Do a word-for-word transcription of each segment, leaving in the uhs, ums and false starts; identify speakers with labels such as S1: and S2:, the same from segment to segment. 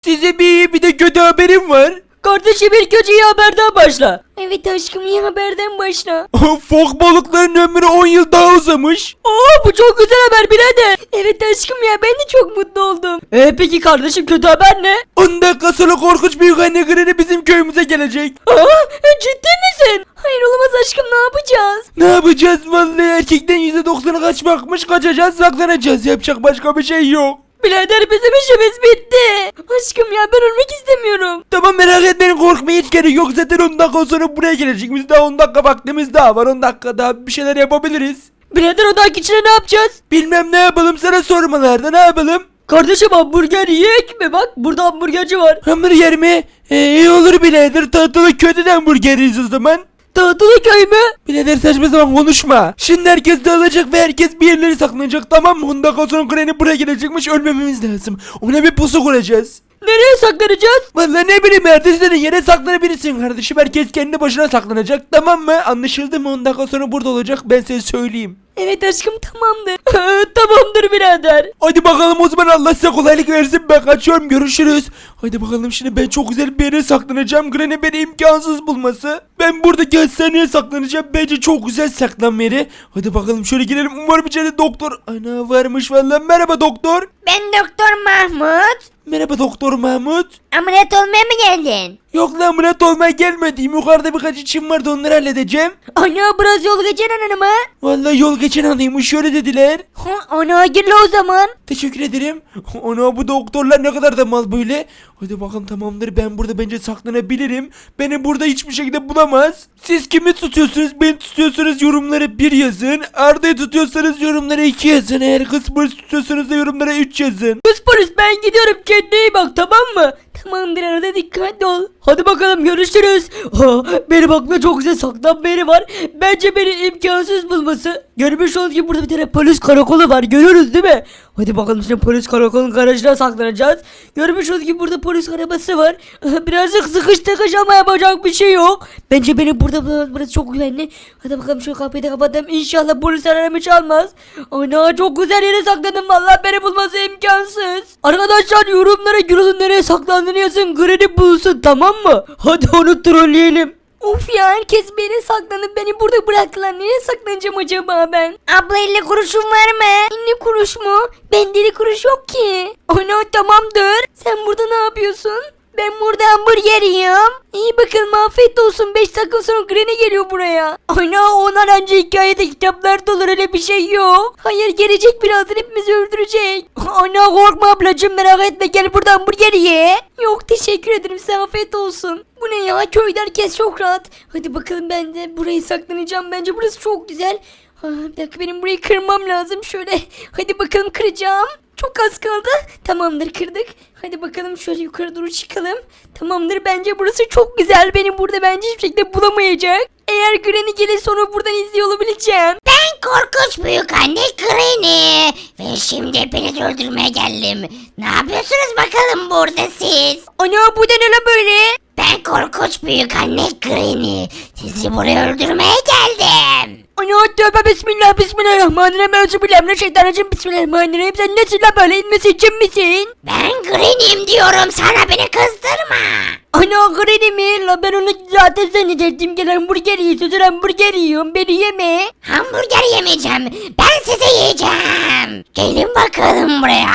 S1: Size bir iyi bir de kötü haberim var.
S2: Kardeşim ilk önce iyi haberden başla. Evet aşkım iyi haberden başla.
S1: Fok balıklarının ömrü on yıl daha uzamış.
S2: Oo bu çok güzel haber birader. Evet aşkım ya ben de çok mutlu oldum. Ee peki kardeşim kötü haber ne?
S1: on dakika sonra korkunç büyük anne Granny bizim köyümüze gelecek.
S2: Aa e, ciddi misin? Hayır olamaz aşkım ne yapacağız?
S1: Ne yapacağız? Vallahi erkekten yüzde doksanı kaçmakmış, kaçacağız, saklanacağız. Yapacak başka bir şey yok.
S2: Birader bizim işimiz bitti. Aşkım ya ben ölmek istemiyorum.
S1: Tamam, merak etmeyin, korkmaya hiç gerek yok. Zaten on dakika sonra buraya gelecek. Biz daha on dakika vaktimiz daha var. on dakika daha bir şeyler yapabiliriz.
S2: Birader o dahaki içine ne yapacağız?
S1: Bilmem, ne yapalım, sana sormalarda ne yapalım?
S2: Kardeşim hamburger yiyek mi? Bak burada hamburgerci var.
S1: Hamburger mi? Ee, iyi olur birader. Tatlı kötü de hamburger yiyiz o zaman.
S2: Tahtalı köy mü?
S1: Birader saçma sapan konuşma. Şimdi herkes dağılacak ve herkes bir yerlere saklanacak, tamam mı? on dakika sonra Granny buraya gelecekmiş, ölmememiz lazım. Ona bir pusu kuracağız.
S2: Nereye saklanacağız?
S1: Vallahi ne bileyim, ertesi yere saklanabilirsin kardeşim. Herkes kendi başına saklanacak, tamam mı? Anlaşıldı mı? on dakika sonra burada olacak, ben size söyleyeyim.
S2: Evet aşkım tamamdır. Tamamdır birader.
S1: Hadi bakalım o zaman, Allah size kolaylık versin, ben kaçıyorum, görüşürüz. Hadi bakalım, şimdi ben çok güzel bir yere saklanacağım. Granny beni imkansız bulması. Ben buradaki hastaneye saklanacağım, bence çok güzel saklanma yeri. Hadi bakalım şöyle girelim, umarım içeride doktor ana varmış vallahi. Merhaba doktor.
S3: Ben Doktor Mahmut.
S1: Merhaba doktor Mahmut.
S3: Ameliyat olmaya mı geldin?
S1: Yok lan, ameliyat olmaya gelmedim, yukarıda birkaç işim vardı, onları halledeceğim.
S3: Ana biraz yol geçen hanıma.
S1: Vallahi yol geçen adaymış, şöyle dediler.
S3: Ha, ana gir la o zaman.
S1: Teşekkür ederim. Ana, bu doktorlar ne kadar da mal böyle. Hadi bakalım, tamamdır, ben burada bence saklanabilirim. Beni burada hiçbir şekilde bulamaz. Siz kimi tutuyorsunuz? Beni tutuyorsanız yorumlara bir yazın. Arda'yı tutuyorsanız yorumlara iki yazın. Eğer kız polis tutuyorsanız da yorumlara üç yazın.
S2: Kız polis ben gidiyorum kendine iyi bak tamam mı? Tamamdır arada dikkatli ol. Hadi bakalım görüşürüz. Ha, benim aklımda çok güzel saklanma yeri var. Bence beni imkansız bulması. Görmüş olduğunuz gibi burada bir tane polis karakolu var. Görüyoruz değil mi? Hadi bakalım şimdi polis karakolun garajına saklanacağız. Görmüş olduğunuz gibi burada polis arabası var. Birazcık sıkış tıkış ama yapacak bir şey yok. Bence beni burada burası çok güvenli. Hadi bakalım şu kapıyı da kapatalım. İnşallah polis aramı çalmaz. Ana çok güzel yere saklandım. Vallahi beni bulması imkansız. Arkadaşlar yorumlara Gürol'un nereye saklandığını yazın. Granny bulsun tamam mı? Hadi onu trolleyelim. Of ya herkes beni saklanıp beni burada bıraktılar. Nereye saklanacağım acaba ben?
S3: Abla elli kuruşun var mı?
S2: elli kuruş mu? Bende elli kuruş yok ki. Ana tamamdır. Sen burada ne yapıyorsun?
S3: Ben burada hamburger yiyorum.
S2: İyi bakalım afiyet olsun. beş dakika sonra Granny geliyor buraya. Ana onlar önce hikayede kitaplarda olur öyle bir şey yok. Hayır gelecek birazdan hepimizi öldürecek. Ana korkma ablacığım merak etme gel burada hamburger ye. Yok teşekkür ederim size afiyet olsun. Bu ne ya köyde herkes çok rahat. Hadi bakalım ben de burayı saklanacağım. Bence burası çok güzel. Ha, bir dakika benim burayı kırmam lazım şöyle. Hadi bakalım kıracağım. Çok az kaldı. Tamamdır kırdık. Hadi bakalım şöyle yukarı doğru çıkalım. Tamamdır bence burası çok güzel. Beni burada bence hiçbir şekilde bulamayacak. Eğer Granny gelirse onu buradan izliyor olabileceğim.
S3: Ben korkunç büyük anne Granny. Ve şimdi hepinizi öldürmeye geldim. Ne yapıyorsunuz bakalım burada siz?
S2: Ana bu da ne la böyle?
S3: Ben korkunç büyük anne Granny. Sizi buraya öldürmeye geldim.
S2: Ana tövbe bismillah bismillahirrahmanirrahim. Euzubillahimineşşeytanirracim bismillahirrahmanirrahim. Sen nesin la böyle inmesi için misin?
S3: Ben Granny'im diyorum sana beni kızdırma.
S2: Ana Granny mi? La ben onu zaten zannederdim. Gel hamburger yiyorsun hamburger yiyorum. Beni yeme.
S3: Hamburger yemeyeceğim. Ben sizi yiyeceğim. Gelin bakalım buraya.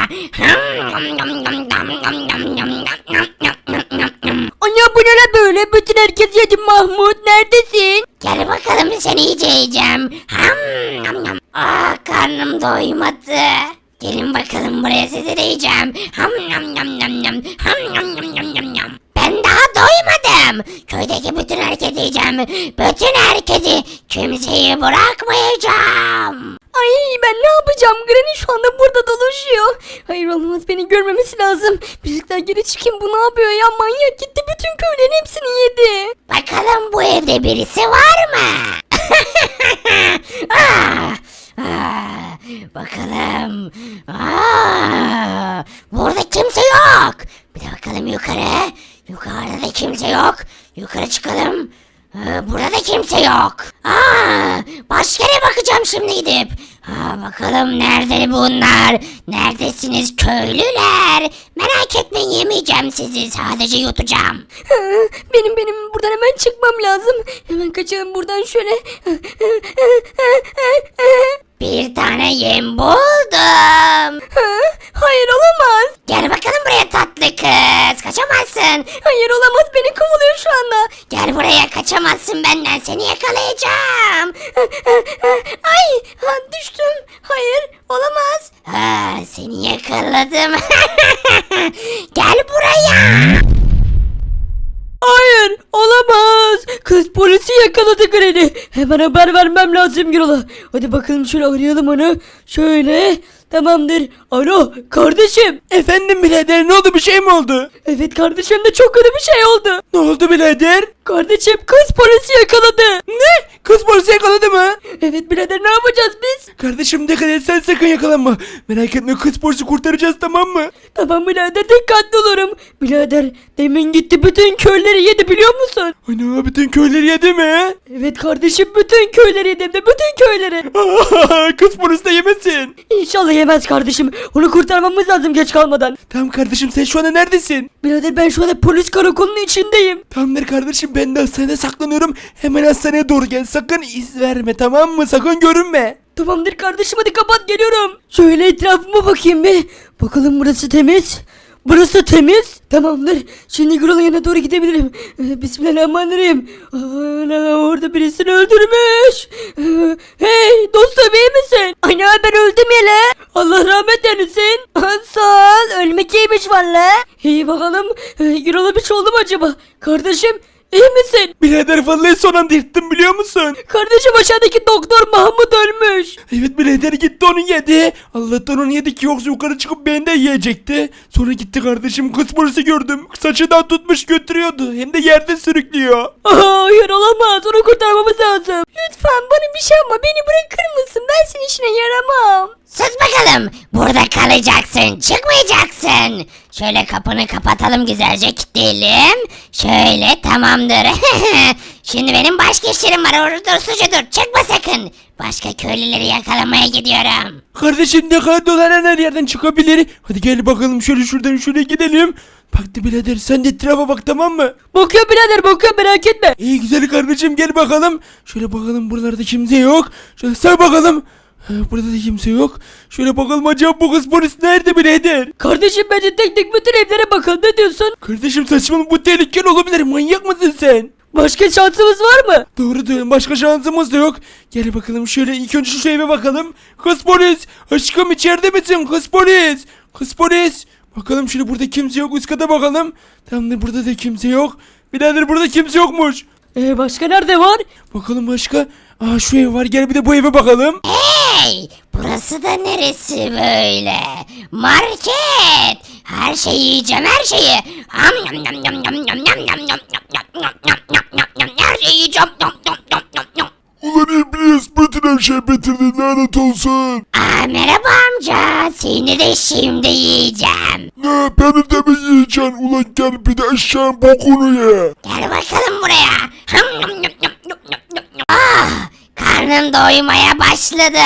S2: Ana bu ne la böyle? Bütün herkes yedi Mahmut. Neredesin?
S3: Gel bakalım seni iyice yiyeceğim. Ham, nam, nam. Ah karnım doymadı. Gelin bakalım buraya sizi de yiyeceğim. Ham nam nam nam nam. Ham nam nam nam nam nam. Ben daha doymadım. Köydeki bütün herkesi yiyeceğim. Bütün herkesi kimseyi bırakmayacağım.
S2: Ay ben ne yapacağım? Granny şu anda burada dolaşıyor. Hayır olmaz beni görmemesi lazım. Birlikler geri çıkayım bu ne yapıyor ya? Manyak gitti bütün köylerin hepsini yedi.
S3: Bakalım bu evde birisi var mı? ah, ah, bakalım. Ah, burada kimse yok. Bir de bakalım yukarı. Yukarıda da kimse yok. Yukarı çıkalım. Ee, burada da kimse yok. Aa, başka yere bakacağım şimdi gidip. Aa, bakalım nerede bunlar? Neredesiniz köylüler? Merak etmeyin, yemeyeceğim sizi, sadece yutacağım.
S2: Benim benim buradan hemen çıkmam lazım. Hemen kaçalım buradan şöyle.
S3: Bir tane yem buldum.
S2: Hayır olamaz.
S3: Gel bakalım buraya tatlı kız. Kaçamazsın.
S2: Hayır olamaz, beni kovalıyor şu anda.
S3: Gel buraya, kaçamazsın benden. Seni yakalayacağım.
S2: Ay ha, düştüm. Hayır olamaz.
S3: Ha, seni yakaladım. Gel buraya.
S2: Hayır olamaz. Kız polisi yakaladı Granny. Hemen haber vermem lazım Gürol'a. Hadi bakalım şöyle arayalım onu. Şöyle. Tamamdır. Alo kardeşim.
S1: Efendim birader, ne oldu, bir şey mi oldu?
S2: Evet kardeşim, de çok kötü bir şey oldu.
S1: Ne oldu birader?
S2: Kardeşim kız polisi yakaladı.
S1: Ne? Kız polisi yakaladı mı?
S2: Evet birader, ne yapacağız biz?
S1: Kardeşim dikkat et, sen sakın yakalanma. Merak etme, kız polisi kurtaracağız, tamam mı?
S2: Tamam birader, dikkatli olurum. Birader demin gitti bütün köyleri yedi, biliyor musun?
S1: Ana, bütün köyleri yedi mi?
S2: Evet kardeşim, bütün köyleri yedi, hem de bütün köyleri.
S1: Kız polisi de yemesin.
S2: İnşallah yemez kardeşim. Onu kurtarmamız lazım geç kalmadan.
S1: Tamam kardeşim, sen şu anda neredesin?
S2: Birader ben şu anda polis karakolunun içindeyim.
S1: Tamamdır kardeşim, ben de hastanede saklanıyorum. Hemen hastaneye doğru gel, sakın iz verme, tamam mı? Sakın görünme.
S2: Tamamdır kardeşim, hadi kapat, geliyorum. Şöyle etrafıma bakayım bir. Bakalım burası temiz. Burası temiz. Tamamdır. Şimdi Gürol'un yanına doğru gidebilirim. Ee, Bismillahirrahmanirrahim. Ana, orada birisini öldürmüş. Ee, hey dostum, iyi misin? Ana, ben öldüm yele. Allah rahmet eylesin. Sağ ol. Ölmek iyiymiş valla. İyi bakalım. Ee, Gürol'a bir şey oldu mu acaba? Kardeşim iyi misin?
S1: Birader vallahi son anda yırttım, biliyor musun?
S2: Kardeşim aşağıdaki doktor Mahmut ölmüş.
S1: Evet birader, gitti onu yedi. Allah'tan onu yedi ki yoksa yukarı çıkıp beni de yiyecekti. Sonra gitti kardeşim, kız polisi gördüm. Saçından tutmuş götürüyordu. Hem de yerde sürüklüyor.
S2: Hayır olamaz, onu kurtarmamız lazım. Lütfen bana bir şey yapma, beni bırakır mısın? Ben senin işine yaramam.
S3: Sus bakalım. Burada kalacaksın. Çıkmayacaksın. Şöyle kapını kapatalım, güzelce kilitleyelim. Şöyle, tamamdır. Şimdi benim başka işlerim var. Orada sucu dur. Çıkma sakın. Başka köylüleri yakalamaya gidiyorum.
S1: Kardeşim ne kadar dolanan her yerden çıkabilir. Hadi gel bakalım, şöyle şuradan şuraya gidelim. Baktı birader, sen de etrafa bak, tamam mı?
S2: Bakıyor birader, bakıyor, merak etme.
S1: İyi güzel kardeşim, gel bakalım. Şöyle bakalım, buralarda kimse yok. Şöyle sağ bakalım. Ha, burada da kimse yok. Şöyle bakalım, acaba bu kız polis nerede birader?
S2: Kardeşim bence tek tek bütün evlere bakalım, ne diyorsun?
S1: Kardeşim saçmalama, bu tehlikeli olabilir, manyak mısın sen?
S2: Başka şansımız var mı?
S1: Doğru diyorsun, başka şansımız da yok. Gel bakalım, şöyle ilk önce şu eve bakalım. Kız polis, aşkım içeride misin kız polis? Kız polis. Bakalım şöyle, burada kimse yok, üst kata bakalım. Tamamdır, burada da kimse yok. Birader burada kimse yokmuş.
S2: Ee, başka nerede var?
S1: Bakalım başka. Aa, şu ev var, gel bir de bu eve bakalım.
S3: Hey! Burası da neresi böyle? Market! Her şeyi yiyeceğim, her şeyi. Ham yam yam yam yam yam yam yam yam yam yam yam yam yam yam yam. Her şeyi yiyeceğim. Yam yam yam yam yam.
S4: Ulan İblis, bütün her şey bitirdin, lanet olsun.
S3: Aa, merhaba amca. Seni de şimdi yiyeceğim.
S4: Ne, beni de mi yiyeceksin? Ulan gel bir de eşeğin bokunu ye.
S3: Gel bakalım buraya. Ham yam yam yam yam yam yam yam. Ah! Karnım doymaya başladı.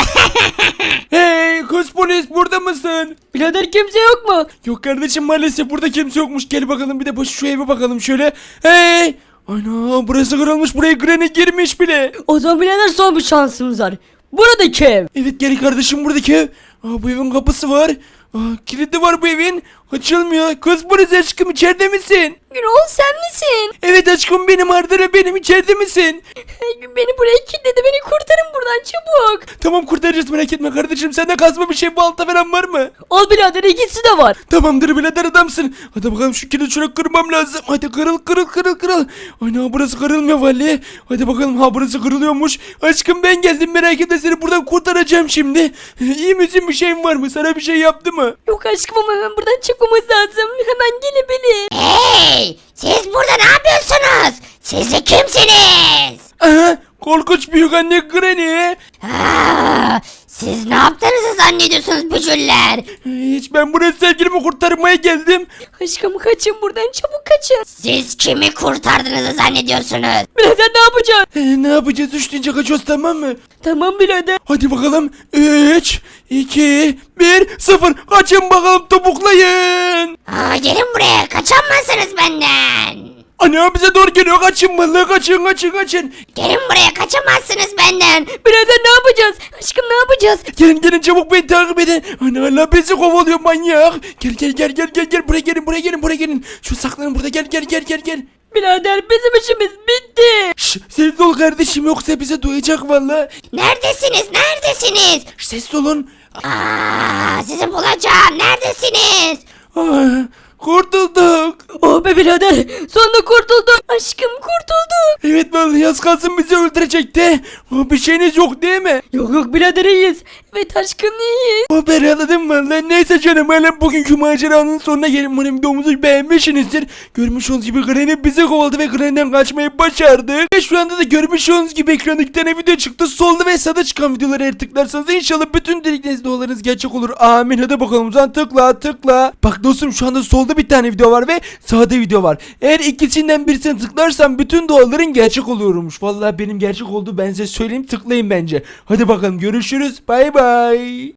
S1: Hey kız polis, burada mısın?
S2: Birader kimse yok mu?
S1: Yok kardeşim, maalesef burada kimse yokmuş. Gel bakalım, bir de şu eve bakalım şöyle. Hey! Ana, burası kırılmış, buraya Granny girmiş bile.
S2: O zaman birader son bir şansımız var. Buradaki ev.
S1: Evet gel kardeşim, buradaki ev. Aa, bu evin kapısı var. Aa, kilidi var bu evin. Açılmıyor. Kız polis aşkım, içeride misin?
S2: Gürol sen misin?
S1: Evet aşkım, benim Arda'la benim, içeride misin?
S2: Beni buraya kilitledi, beni kurtarın buradan çabuk.
S1: Tamam, kurtaracağız, merak etme kardeşim. Sende kazma bir şey, balta falan var mı?
S2: Al birader, ikisi de var.
S1: Tamamdır birader, adamsın. Hadi bakalım, şu kilidi şöyle kırmam lazım. Hadi kırıl kırıl kırıl kırıl. Ana, burası kırılmıyor vallahi. Hadi bakalım, ha burası kırılıyormuş. Aşkım ben geldim, merak etme, seni buradan kurtaracağım şimdi. İyi misin, bir şeyin var mı? Sana bir şey yaptı mı?
S2: Yok aşkım, ama hemen buradan çıkmamız lazım. Hemen gelebilir.
S3: Hey! Siz burada ne yapıyorsunuz? Siz de kimsiniz?
S1: Aha, korkunç büyük anne Granny.
S3: Aa, Siz ne yaptığınızı zannediyorsunuz bücüller?
S1: Hiç, ben buraya sevgilimi kurtarmaya geldim.
S2: Aşkım kaçın buradan çabuk kaçın.
S3: Siz kimi kurtardığınızı zannediyorsunuz?
S2: Birader ne yapacağız?
S1: Ee, ne yapacağız? Üç deyince kaçıyoruz, tamam mı?
S2: Tamam birader.
S1: Hadi bakalım. üç, iki, bir, sıfır. Kaçın bakalım, topuklayın.
S3: Aa, gelin buraya, kaçamazsınız benden.
S1: Ana bize doğru geliyor. Kaçın vallahi, kaçın kaçın kaçın.
S3: Gelin buraya, kaçamazsınız benden.
S2: Birader ne yapacağız? Aşkım ne yapacağız?
S1: Gelin gelin çabuk, beni takip edin. Ana Allah bizi kovalıyor manyak. Gel gel gel gel gel gel, buraya gelin buraya gelin buraya gelin. Şu saklanın burada, gel gel gel gel gel.
S2: Birader bizim işimiz bitti.
S1: Şşş, sessiz ol kardeşim, yoksa bize duyacak vallahi.
S3: Neredesiniz, neredesiniz?
S1: Şşş, sessiz olun.
S3: Aa, sizi bulacağım, neredesiniz?
S1: Ah, kurtulduk.
S2: Oh be birader sonunda kurtulduk. Aşkım kurtulduk.
S1: Evet vallahi, az kalsın bizi öldürecekti. Oh, bir şeyiniz yok değil mi?
S2: Yok yok birader iyiyiz. Evet aşkım iyiyiz.
S1: Haber aladım valla. Neyse canım, hala bugünkü maceranın sonuna gelin. Umarım videomuzu beğenmişsinizdir. Görmüş olduğunuz gibi Granny bizi kovaladı ve Granny'den kaçmayı başardık. Ve şu anda da görmüş olduğunuz gibi ekranda iki tane video çıktı. Solda ve sağda çıkan videoları eğer tıklarsanız inşallah bütün dilekleriniz, dualarınız gerçek olur. Amin. Hadi bakalım o zaman, tıkla tıkla. Bak dostum, şu anda solda bir tane video var ve sağda video var. Eğer ikisinden birisini tıklarsan bütün duaların gerçek oluyormuş. Vallahi benim gerçek olduğu ben size söyleyeyim, tıklayın bence. Hadi bakalım, görüşürüz. Bay bay.